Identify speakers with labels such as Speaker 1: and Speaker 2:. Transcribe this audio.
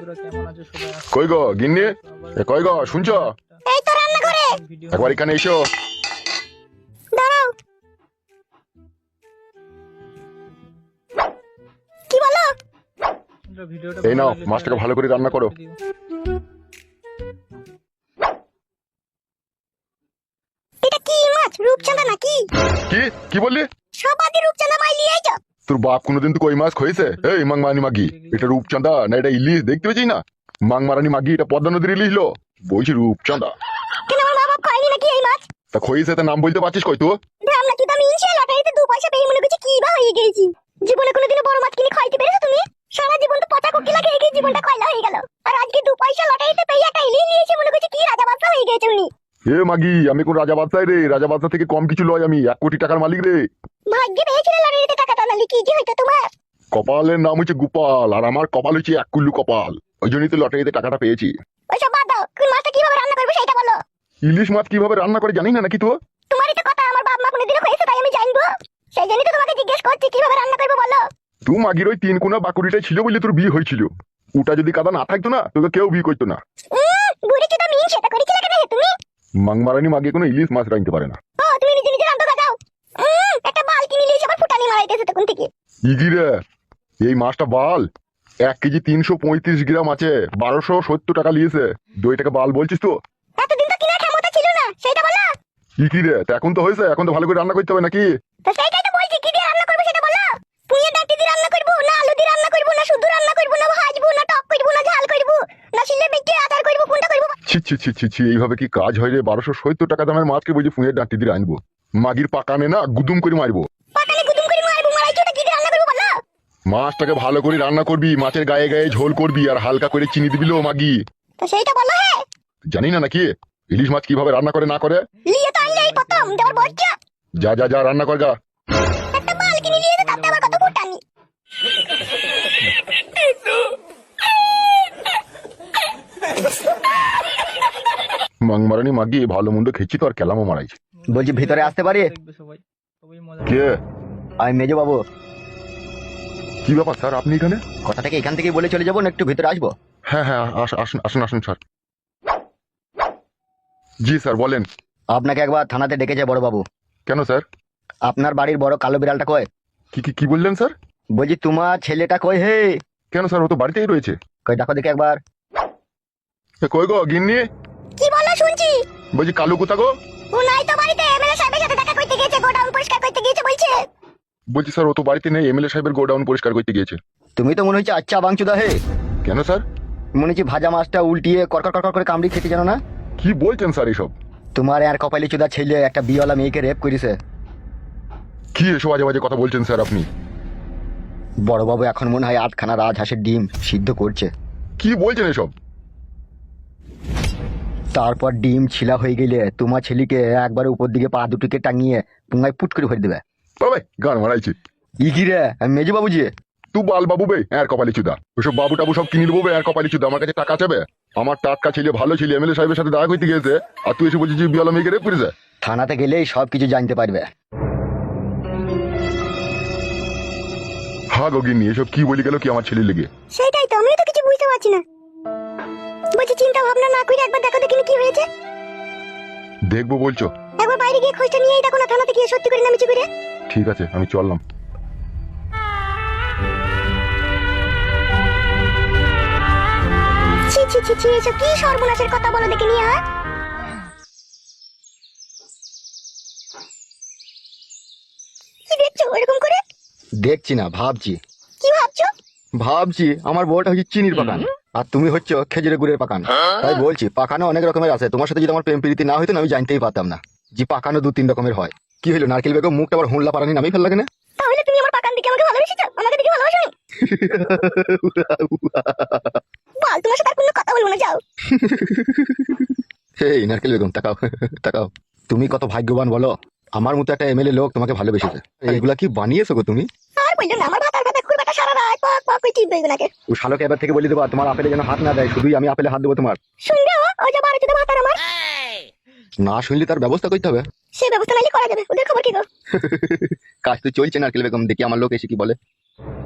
Speaker 1: কই গো গিন্নি, কই গো শুনছো?
Speaker 2: এই তো রান্না করে।
Speaker 1: একবার এখানে এসো।
Speaker 2: দাঁড়াও। কি বলো?
Speaker 1: এই নাও মাছটাকে ভালো করে রান্না করো।
Speaker 2: এটা কি মাছ? রূপচাঁদা নাকি?
Speaker 1: কি কি বললি?
Speaker 2: সবাদি রূপচাঁদা মাই লিয়ে আইছো?
Speaker 1: তোর বাপ কোনোদিন তো কই মাছ খয়েছে? এই মাংমারানি মাগি, এটা রূপচাঁদা না এটা ইলিশ দেখতে পেয়েছি না? মাংমারানি মাগি, এটা পদ্মা নদীর ইলিশ লো, বলছি রূপচাঁদা।
Speaker 2: কেন আমার মা বাপ খায়নি নাকি এই মাছ?
Speaker 1: তা খয়েছে তা নাম বলতে পারছিস কই তো?
Speaker 2: দাম নাকি দাম ইনশে লটারিতে 2 পয়সা পেয়ে মনে করছি কি বা হয়ে গেছি। জীবনে কোনোদিনও বড় মাছ কিনে খাইতে পেরেছো তুমি? সারা জীবন তো পচা কুকি লাগে এই জীবনটা কয়লা হয়ে গেল। আর আজকে 2 পয়সা লটারিতে পেয়ে একটা ইলিশ নিয়েছে মনে করছি কি রাজা বাদশা হয়ে গেছে উনি।
Speaker 1: এ মাগি, আমি কোন রাজা বাদশাহ রে? রাজা বাদশাহ থেকে কম কিছু লয়, আমি 1 কোটি টাকার মালিক রে।
Speaker 2: ভাগ্যে পেয়েছিলে লটারিতে টাকাটা, নালি কি যে হইতো তোমার।
Speaker 1: কপালের নাম হচ্ছে গোপাল, আর আমার কপাল হচ্ছে 1 কুল্লু কপাল, ওই জন্যই তো লটারিতে টাকাটা পেয়েছি।
Speaker 2: ওইসব বাদ দাও, কোন মাছটা কিভাবে রান্না করবে সেটা বলো।
Speaker 1: ইলিশ মাছ কিভাবে রান্না করে জানি না নাকি তো?
Speaker 2: তোমারই তো কথা, আমার বাপ মা কোনোদিনও হয়েছে তাই আমি জানবো। সেই জন্যই তো তোমাকে জিজ্ঞেস করছি কিভাবে রান্না করবে বলো।
Speaker 1: তুই মাগির ওই 3 কোনা বাকুড়িটাই ছিল বলে তোর বিয়ে হয়েছিল। ওটা যদি কাদা না থাকতো না তোকে কেউ বিয়ে করতো না।
Speaker 2: বুড়ি কি তো মিন সেটা করেছিলে কেন হে তুমি?
Speaker 1: মাংমারানি মাগে কোনো ইলিশ মাছ রাখতে পারে না।
Speaker 2: ও তুমি নিজে নিজে রান্না যাও। একটা বালতি নিয়ে এসে আবার ফুটানি মারাইতেছে তখন থেকে।
Speaker 1: ইগিরে, এই মাছটা বাল 1 কেজি 335 গ্রাম আছে, 1270 টাকা নিয়েছে। 2 টাকা বাল বলছিস তো?
Speaker 2: এতদিন তো কিনা ক্ষমতা ছিল না সেটা বলো।
Speaker 1: ইগিরে, তা এখন তো হয়েছে, এখন তো ভালো করে রান্না করতে হবে নাকি?
Speaker 2: তো সেইটাই তো বলছি, কি দিয়ে রান্না করবে সেটা বলো। পুঁয়ে ডাঁটি দিয়ে রান্না করবো না আলু দিয়ে রান্না করবো না শুধু রান্না করবো না ভাজবো না টক করবো না ঝাল করবো না শিলে বেটে আচার করবো, কোনটা করবো?
Speaker 1: ছি ছি ছি ছি ছি, এইভাবে কি কাজ হয় রে? 1270 টাকা দামের মাছকে বলছি ফুঁয়ের ডাঁটি দিয়ে আনবো? মাগির পাকানে না গুদুম করে মারবো।
Speaker 2: পাকালে গুদুম করে মারবো, মারাইছো তো কি দিয়ে রান্না করবো বলো।
Speaker 1: মাছটাকে ভালো করে রান্না করবি, মাছের গায়ে গায়ে ঝোল করবি, আর হালকা করে চিনি দিবি লো মাগি।
Speaker 2: তো সেইটা বলো। হ্যাঁ
Speaker 1: জানি না নাকি ইলিশ মাছ কিভাবে রান্না করে না করে?
Speaker 2: লিয়ে তো আনলে এই প্রথম দেওয়ার বজ্জা।
Speaker 1: যা যা যা রান্না কর যা।
Speaker 2: একটা বালতি নিয়ে এসে তাতে আবার কত ফুটানি।
Speaker 1: মাংমারানি মাগি ভালো মন্দ খেয়েছি তো, আর কেলামও মারাইছি।
Speaker 3: বলছি ভিতরে আসতে পারি?
Speaker 1: কে?
Speaker 3: আমি মেজো বাবু।
Speaker 1: কি ব্যাপার স্যার, আপনি এখানে?
Speaker 3: কথাটাকে এখান থেকেই বলে চলে যাবো না একটু ভিতরে আসবো?
Speaker 1: হ্যাঁ হ্যাঁ, আসুন আসুন আসুন স্যার। জি স্যার বলেন।
Speaker 3: আপনাকে একবার থানাতে ডেকেছে বড় বাবু।
Speaker 1: কেন স্যার?
Speaker 3: আপনার বাড়ির বড় কালো বিড়ালটা কয়?
Speaker 1: কি কি কি বললেন স্যার?
Speaker 3: বলছি তোমার ছেলেটা কয় হে?
Speaker 1: কেন স্যার, ও তো বাড়িতেই রয়েছে।
Speaker 3: কই দেখো দেখে একবার।
Speaker 1: কই গো গিন্নি?
Speaker 2: কি বলো শুনছি।
Speaker 1: বলছি কালু কোথা গো?
Speaker 2: ও নাই তো বাড়িতে, এমএলএ সাহেবের সাথে দেখা করতে গিয়েছে, গোডাউন পরিষ্কার করতে গিয়েছে বলছে।
Speaker 1: বলছি স্যার ও তো বাড়িতে নেই, এমএলএ সাহেবের গোডাউন পরিষ্কার করতে গিয়েছে।
Speaker 3: তুমি তো মনে হচ্ছে আচ্ছা বাংচুদা হে।
Speaker 1: কেন স্যার?
Speaker 3: মনে হচ্ছে ভাজা মাছটা উল্টিয়ে কড়কড় কড়কড় করে কামড়ি খেতে জানো না?
Speaker 1: কি বলছেন স্যার এসব?
Speaker 3: তোমার আর কপালি চুদা ছেলে একটা বিয়েওয়ালা মেয়েকে রেপ করেছে।
Speaker 1: কি এসব বাজে বাজে কথা বলছেন স্যার আপনি?
Speaker 3: বড় বাবু এখন মনে হয় 8খানা রাজহাঁসের ডিম সিদ্ধ করছে।
Speaker 1: কি বলছেন এসব?
Speaker 3: তারপর ডিম ছিলা হয়ে গেলে তোমার ছেলেকে একবার উপর দিকে পা দুটিকে টাঙিয়ে পুঙ্গায় পুট করে ভরে দেবে।
Speaker 1: বাবা গান মারাইছি।
Speaker 3: ইকি রে মেজো বাবুজি।
Speaker 1: তুই বাল বাবু বে আর কপালি চুদা, ওসব বাবু টাবু সব কিনে দেবো বে আর কপালি চুদা। আমার কাছে টাকা চাবে? আমার টাটকা ছেলে ভালো ছেলে এমএলএ সাহেবের সাথে দেখা করতে গিয়েছে, আর তুই এসে বলছিস বিয়ালা মেয়েকে রেপ করেছে?
Speaker 3: থানাতে গেলেই সব কিছু জানতে পারবে।
Speaker 1: হ্যাঁ গো গিন্নি, এসব কি বলি গেল কি আমার ছেলের লেগে?
Speaker 2: সেটাই তো আমিও তো কিছু বুঝতে পারছি না। বলছি চিন্তা ভাবনা না করে একবার দেখো দেখিনি কি হয়েছে।
Speaker 1: দেখবো বলছো?
Speaker 2: একবার বাইরে গিয়ে খোঁজটা নিয়ে দেখো না, থানাতে গিয়ে সত্যি করে না মিছি করে।
Speaker 1: ঠিক আছে আমি চললাম।
Speaker 2: ছি ছি ছি ছি, এসব কি সর্বনাশের কথা বলো দেখিনি। আর কি দেখছো এরকম করে?
Speaker 3: দেখছি না ভাবছি।
Speaker 2: কি ভাবছো?
Speaker 3: ভাবছি আমার বউটা হচ্ছে চিনির পাকান আর তুমি হচ্ছে খেজুরের গুড়ের পাকান। তাই বলছি পাকানো অনেক রকমের আছে, তোমার সাথে যদি আমার প্রেম প্রীতি না হইতো না আমি জানতেই পারতাম না যে পাকানো 2-3 রকমের হয়। কি হলো নারকেল বেগম মুখটা আবার হুল্লা পারানি নামেই ফেললা কেন?
Speaker 2: তাহলে তুমি আমার পাকান দিকে আমাকে ভালোবেসেছো, আমাকে দেখে ভালোবাসোনি? বল, তোমার সাথে আর কোনো কথা বলবো না, যাও।
Speaker 3: এই নারকেল বেগম তাকাও তাকাও। তুমি কত ভাগ্যবান বলো, আমার মতো একটা এমএলএ লোক তোমাকে ভালোবেসেছে। এইগুলা কি বানিয়েছো গো তুমি?
Speaker 2: আর বললো না, আমার ভাতার কথা খুব একটা সারা রাত পক পক করে টিপবে এগুলাকে।
Speaker 3: ও শালোকে এবার থেকে বলে দেবা তোমার আপেলে যেন হাত না দেয়, শুধুই আমি আপেলে হাত দেবো তোমার।
Speaker 2: শুনবে ও যে বাড়িতে ভাতার আমার।
Speaker 3: না শুনলে তার ব্যবস্থা করতে হবে।
Speaker 2: সে ব্যবস্থা নাইলে করা যাবে, ওদের খবর কি গো?
Speaker 3: কাজ তো চলছে নারকেল বেগম, দেখি আমার লোক এসে কি বলে।